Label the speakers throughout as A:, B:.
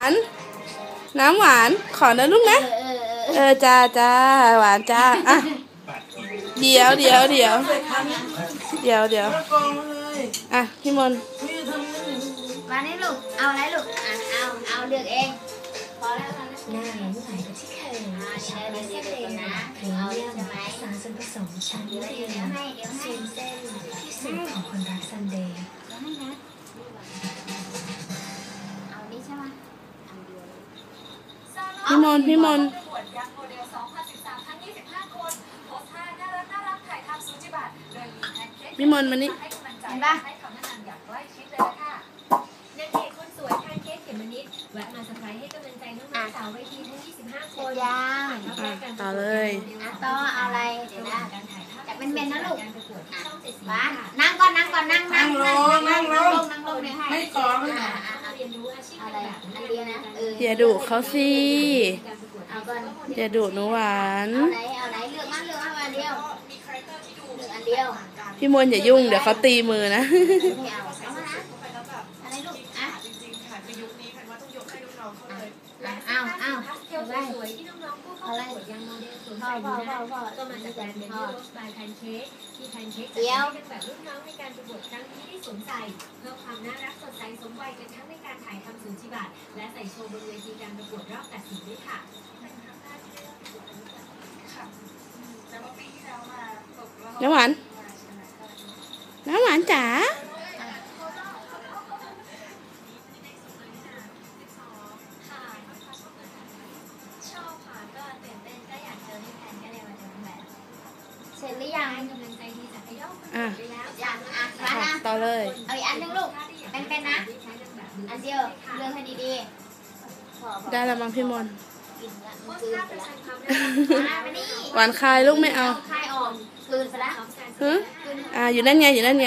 A: น้ำหวานขอนะลูกนะจ้าหวานจ้าอ่ะเดี๋ยวอ่ะพี่มน
B: มานี่ลูกเอาอะไรลูกเอาเลือกเองพอแล้ว
C: หน้าน้ำใสกับที่เคยใช้เส้นเองนะพรีเมียมสารส่วนผสมชั้นเดียวซูมเส้นที่สุดของคนรักซันเดย์
B: เอานี่ใช่ไหม
A: พี่มนพี่มนมานี่
B: เห็นปะ
C: แวะมาสบายให้กำลังใจน้องๆสาวเวทีทั้ง25 คน
A: ต่อเลย
B: ต่อเอาอะไรเดี๋ยวนะจะเป็นเมนนะลูกบ้านนั่งก่อนนั่งลงเลยให้
A: ไม่ก่อน
B: อะไรอันเดียวนะ
A: อย่าดุเขาสิ
B: เอาก่อน
A: อย่าดุหนูหวาน
B: เอาไหนเลือกมาอันเดียวอันเดียว
A: พี่มนอย่ายุ่งเดี๋ยวเขาตีมือนะ
B: ไม่เอามานะอะไรลูก
C: สวยที่น้องๆผู้เข้าประกวดยังโมเดลสวมใส่อยู่นะก็มาจากแบรนด์เบบี้โรสบายแพนเค้กที่แพนเค้กจะใช้เป็นแบบรุ่นน้องในการประกวดครั้งนี้ที่สวมใส่เพื่อความน่ารักสดใสสมวัยกันทั้งในการถ่ายทำสูจิบัตรและใส่โชว์บนเวทีการประกวดรอบตัดสินด้วยค่ะ
A: น้ำหวานจ๋า
B: เสร็จหรือยัง
A: ต่อเลย
B: เอาอีกอันนึงลูกเป็นนะอันเดียวเลือกให้ดีๆ
A: ได้แล้วมั้งพี่มน
B: กินละมันคืนไปละ
A: หวานคายลูกไม่เอา
B: คายออกคืนไปละ
A: อยู่นั่นไง
C: เรียกว่า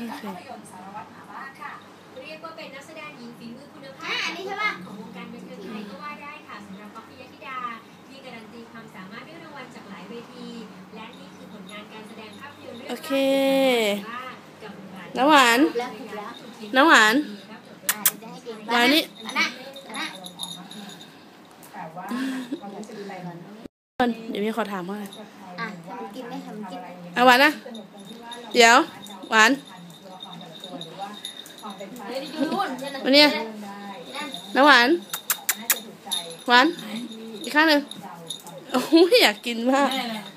C: เป็นนักแสดงหญิงฝีมือคุณภาพ
B: อันนี้ใช่ป่ะ
C: ของวงการบันเทิงไทยก็ว่าได้ค่ะสำหรับป๊อปปี้ยธิดาที่การันตีความสามารถด้วยรางวัลจากหลายเวทีและนี่คือผลงานการแสดงภาพยนตร์เรื่อง
A: โอเคน้ำหวานมานี่เดี๋ยวมีขอถามว่าอะไร
B: กินไหมทำกิน
A: หวานนะเดี๋ยวหวานวันนี้น้ำหวานอีกข้างหนึ่งโอ้ยอยากกินมาก